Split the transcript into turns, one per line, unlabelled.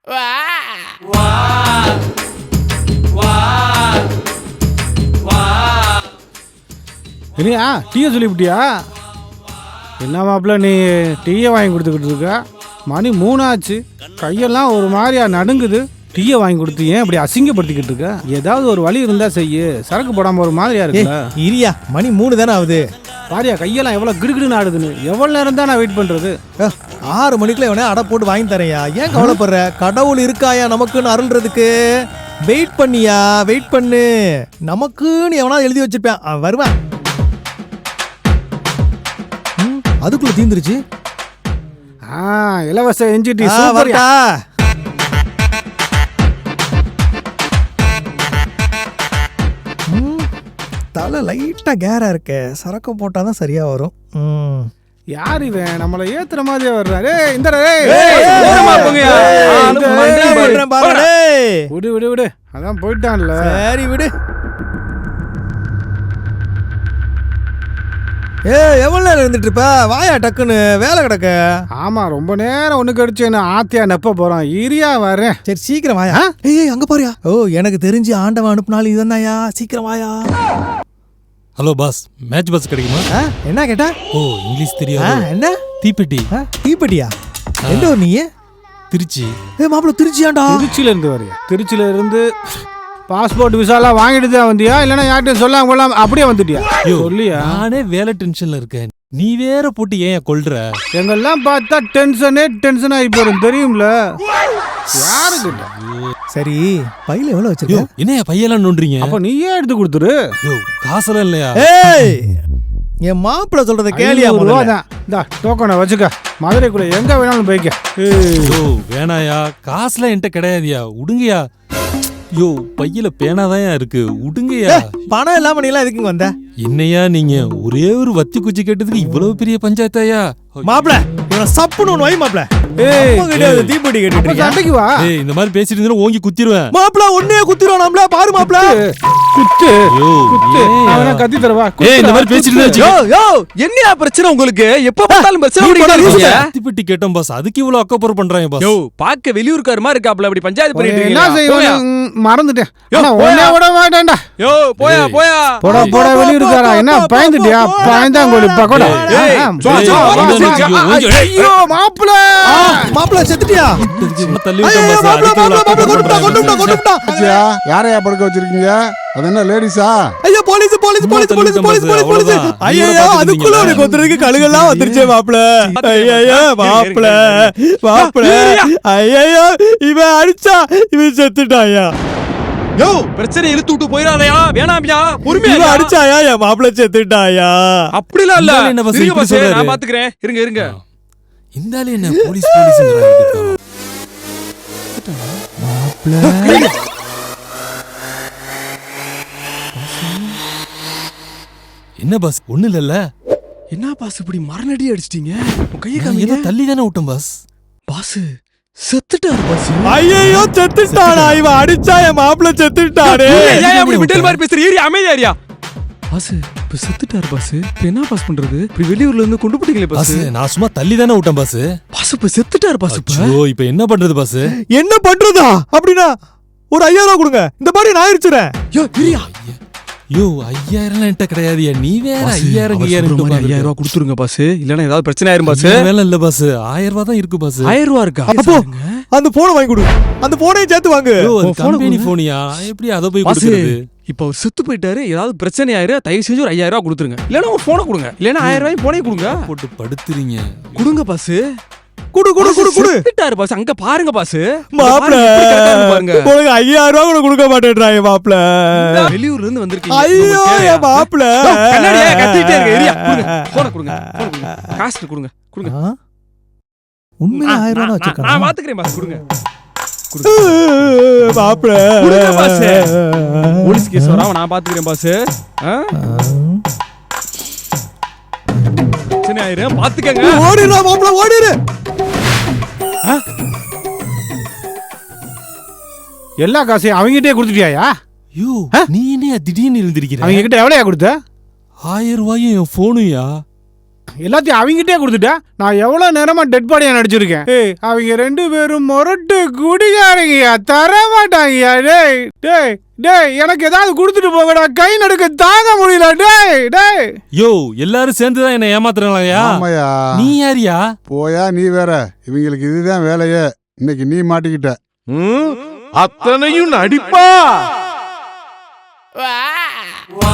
இல்லையா டீயை சொல்லிவிட்டியா? என்ன மாப்பிள்ள நீ டீயை வாங்கி கொடுத்துக்கிட்டு இருக்க? மணி 3 ஆச்சு, கையெல்லாம் ஒரு மாதிரியா நடுங்குது. டீயை வாங்கி கொடுத்து ஏன் இப்படி அசிங்கப்படுத்திக்கிட்டு இருக்க? ஏதாவது ஒரு வழி இருந்தா செய்யு, சரக்கு போடாம ஒரு மாதிரியா இருக்குல்ல.
இரியா, மணி 3 தானே ஆகுது.
பாரியா கையெல்லாம் எவ்வளோ கிடுகிடுன்னு ஆடுதுன்னு. எவ்வளோ நேரம் தான் நான் வெயிட் பண்ணுறது?
6 மணிக்குள்ள எவனே அடை போட்டு வாங்கி தரையா. ஏன் கவலைப்படுற? கடவுள் இருக்காயா நமக்குன்னு அருள்றதுக்கு. வெயிட் பண்ணியா, வெயிட் பண்ணு. நமக்குன்னு எவனா எழுதி வச்சிருப்பேன், அவன் வருவான். அதுக்குள்ள தீந்துருச்சு.
இலவச என்ஜி டீ சூப்பர்யா.
தலை லைட்டா கேரா இருக்க, சரக்கு போட்டாதான் சரியா வரும்.
யார் இவன்? நம்மள ஏத்துற மாதிரியே வர்றாரு. இந்த விடு விடு விடு, அதான் போயிட்டான்ல.
சரி விடு. எவ்வளவு நேரம் இருந்துட்டு இருப்ப? வாயா டக்குன்னு, வேலை கிடக்க.
ஆமா, ரொம்ப நேரம் ஒண்ணு கடிச்சு என்ன ஆத்தியா நெப்ப போறான். இரியா வரேன்.
சரி சீக்கிரம் வாயா. ஏய் அங்க பாரியா. ஓ, எனக்கு தெரிஞ்சு ஆண்டவன் அனுப்புனாலும் இதுதான்யா. சீக்கிரம் வாயா.
ஹலோ பாஸ், மேட்ச் பஸ் கிடைக்குமா?
என்ன கேட்டா?
ஓ, இங்கிலீஷ் தெரியாது.
என்ன
தீப்பெட்டி?
தீப்பெட்டியா? எந்த ஊர் நீ?
திருச்சி.
மாப்பிள்ள திருச்சியாண்டா?
திருச்சியில இருந்து வரையா? திருச்சியில இருந்து பாஸ்போர்ட் விசாலாம் வாங்கிட்டு தான் வந்தியா, இல்லைன்னா யார்கிட்ட சொல்லாம கொள்ளாம அப்படியே வந்துட்டியா? சொல்லியா?
நானே வேலை டென்ஷன்ல இருக்கேன், நீ வேற போட்டு ஏன் கொல்ற?
எங்கெல்லாம் பார்த்தா டென்ஷன் ஆகி போறேன் தெரியும்ல. யாருக்கிட்ட?
சரி, பையில எவ்வளவு வச்சிருக்க?
என்ன பையெல்லாம் நோண்டுறீங்க?
அப்ப நீயே எடுத்து கொடுத்துரு.
காசெல்லாம் இல்லையா?
ஏய், என் மாப்பிள்ள சொல்றத கேளியா?
இந்த டோக்கனை வச்சுக்க, மதுரைக்குள்ள எங்க வேணாலும் போய்க்க.
வேணாயா, காசுலாம் என்கிட்ட கிடையாதுயா, உடுங்கயா. யோ, பையில பேனாதான் இருக்கு, உடுங்கயா.
பணம் இல்லாம நீ எல்லாம் எதுக்கு வந்த?
என்னையா நீங்க ஒரே ஒரு வத்தி குச்சி கேட்டதுக்கு இவ்வளவு பெரிய பஞ்சாயத்தாயா?
மாப்பிள்ள இவனை சப்புன்னு ஒண்ணு வை மாப்பிள்ள. தீப்பெட்டி கேட்டு
சண்டைக்கு வா.
இந்த மாதிரி பேசிட்டு இருந்தா ஓங்கி குத்திடுவேன்.
மாப்பிள்ள ஒன்னே குத்திடுவோம் நம்மள. பாரு மாப்பிள்ள,
குத்து குத்து. அவன கத்தி தரவா.
இந்த மாதிரி பேசிட்டு இருந்தா
யோ என்னையா பிரச்சனை உங்களுக்கு? எப்ப பார்த்தாலும் பிரச்சனை ஓடிட்டே.
தீப்பெட்டி கேட்டோம் பாஸ், அதுக்கு இவ்வளவு அக்கப்புறம் பண்றாங்க பாஸ்.
யோ, பாக்க வெளியூர்கார மாதிரி இருக்காப்ல, அப்படி பஞ்சாயத்து பண்ணிட்டு
என்ன செய்வோம்? மறந்துட்டேன்.
போயா
விட மாட்டேன்டா.
யோ போயா போயா.
போடா போடா, வெளியூர்காரா. என்ன பயந்துட்டியா? பயந்தாங்கோலி பக்கோடா. ஐயோ மாப்பிள்ள,
மாப்பிள்ள செத்துட்டியா?
தள்ளி விட்டோம்
பாஸ். யாரையா படுக்க வச்சிருக்கீங்க? அது என்ன லேடிஸா?
ஐயோ police police police police police police. ஐயோ அதுக்குள்ள ஒரு கொத்துறதுக்கு கழுகெல்லாம் வந்துருச்சே மாப்பிள்ள. ஐயோ மாப்பிள்ள மாப்பிள்ள. ஐயோ இவன் அடிச்சா இவன் செத்துட்டாயா?
யோ, பிரச்சனை இழுத்து விட்டு போயிராதயா. வேணாம்யா, பொறுமையா
அடிச்சாயா? என் மாப்பிள்ள செத்துட்டாயா?
அப்படிலாம் இல்ல.
என்ன பாஸ்
இருங்க
இப்படி
பாஸ்,
சொல்றாரு?
நான் பாத்துக்கிறேன். இருங்க இருங்க.
இந்தாலே என்ன போலீஸ் போலீஸ்ங்கறாங்க.
மாப்பிள்ள
என்ன பாஸ், ஒண்ணு இல்லல்ல?
என்ன பாஸ் இப்படி மரணடி அடிச்சிட்டீங்க? உன் கையை
ஏதோ
காமிங்க.
தள்ளி தானே விட்டோம் பாஸ்.
Pass செத்துட்டாரு pass.
ஐயோ செத்துட்டானா? இவன் அடிச்சா என் மாப்பிள்ள செத்துட்டானே.
ஏன் அப்படி விட்டல் மாதிரி பேசுற? ஏறி அமைதியா ஏரியா. பாஸ் இப்ப செத்துட்டாரு பாஸ். இப்ப என்ன பாஸ் பண்றது? இப்படி வெளியூர்ல இருந்து கொண்டு போட்டீங்களே பாஸ்.
நான் சும்மா தள்ளி தானே விட்டேன் பாஸ்.
பாஸ் இப்ப செத்துட்டாரு பாஸ்.
இப்ப என்ன பண்றது பாஸ்?
என்ன பண்றதா? அப்படின்னா ஒரு 5000 ரூபா கொடுங்க, இந்த மாதிரி நான் அடிச்சுறேன்.
யோ இரியா.
யோ 5000 என்கிட்ட கிடையாதுயா, நீ வேற 5000
5000 ரூபா கொடுத்துருங்க பாஸ், இல்லனா ஏதாவது பிரச்சனை ஆயிரும் பாஸ்.
வேலை இல்ல பாஸ், 1000 ரூபா தான் இருக்கு பாஸ்.
1000 ரூபா இருக்கா?
அப்போ அந்த போனை வாங்கி கொடு, அந்த போனையும் சேர்த்து வாங்கு.
கம்பெனி போனியா, எப்படி அதை போய் கொடுக்கிறது?
இப்ப அவர் செத்து போயிட்டாரு, ஏதாவது பிரச்சனை ஆயிரு, தயவு செஞ்சு ஒரு 5000 ரூபா கொடுத்துருங்க. இல்லனா ஒரு போனை கொடுங்க, இல்லனா 1000 ரூபாய் போனே கொடுங்க.
போட்டு படுத்துறீங்க.
கொடுங்க பாஸ்.
குடு குடு குடு குடு.
செத்துட்டாரு பாஸ், அங்க பாருங்க பாஸ்.
மாப்ள பாருங்க. உங்களுக்கு 5000 ரூபாய் கூட கொடுக்க மாட்டேன்றாங்க மாப்ள.
வெளியூர்ல இருந்து வந்திருக்கீங்க.
ஐயோ ஏ மாப்ள.
கண்ணாடியே கத்திட்டே இருக்க. ஏரியா கொடுங்க, போனை கொடுங்க, போனை கொடுங்க. காசு கொடுங்க, கொடுங்க.
உண்மையா 1000 ரூபாய் வச்சிருக்கான்.
நான் பாத்துக்கிறேன் பாஸ், கொடுங்க.
மாப்ள
கொடுங்க பாஸ். போலீஸ் கேஸ் வராம நான் பாத்துக்கிறேன் பாஸ். பிரச்சனை ஆயிரும், பாத்துக்கங்க.
ஓடிரா மாப்ள, ஓடிரு.
எல்லா காசையும் அவங்ககிட்டே கொடுத்துட்டியா?
யோ நீ என்ன திடீர்னு இருந்திருக்கிற?
அவங்க கிட்ட எவ்வளோயா கொடுத்த?
1000 ரூபாயும் என் போனுயா.
எல்லாத்தையும் அவங்ககிட்டே கொடுத்துட்டா நான் எவ்வளவு நேரமா டெட் பாடியா நடிச்சிருக்கேன். ஏய் அவங்க 2 பேரும் மொரட்டு குடிகாரங்கய்யா, தர மாட்டாங்கய்யா. டேய் டேய் டேய் எனக்கு ஏதாவது கொடுத்துட்டு போகடா, கை நடுக்க தாங்க முடியல. டேய் டேய்
யோ எல்லாரும் சேர்ந்துதான் என்ன ஏமாத்துறாங்கயா?
ஆமாயா.
நீ யாரியா?
போயா நீ வேற. இவங்களுக்கு இதுதான் வேலையே. இன்னைக்கு நீ மாட்டிக்கிட்ட.
அத்தனையும் நடிப்பா.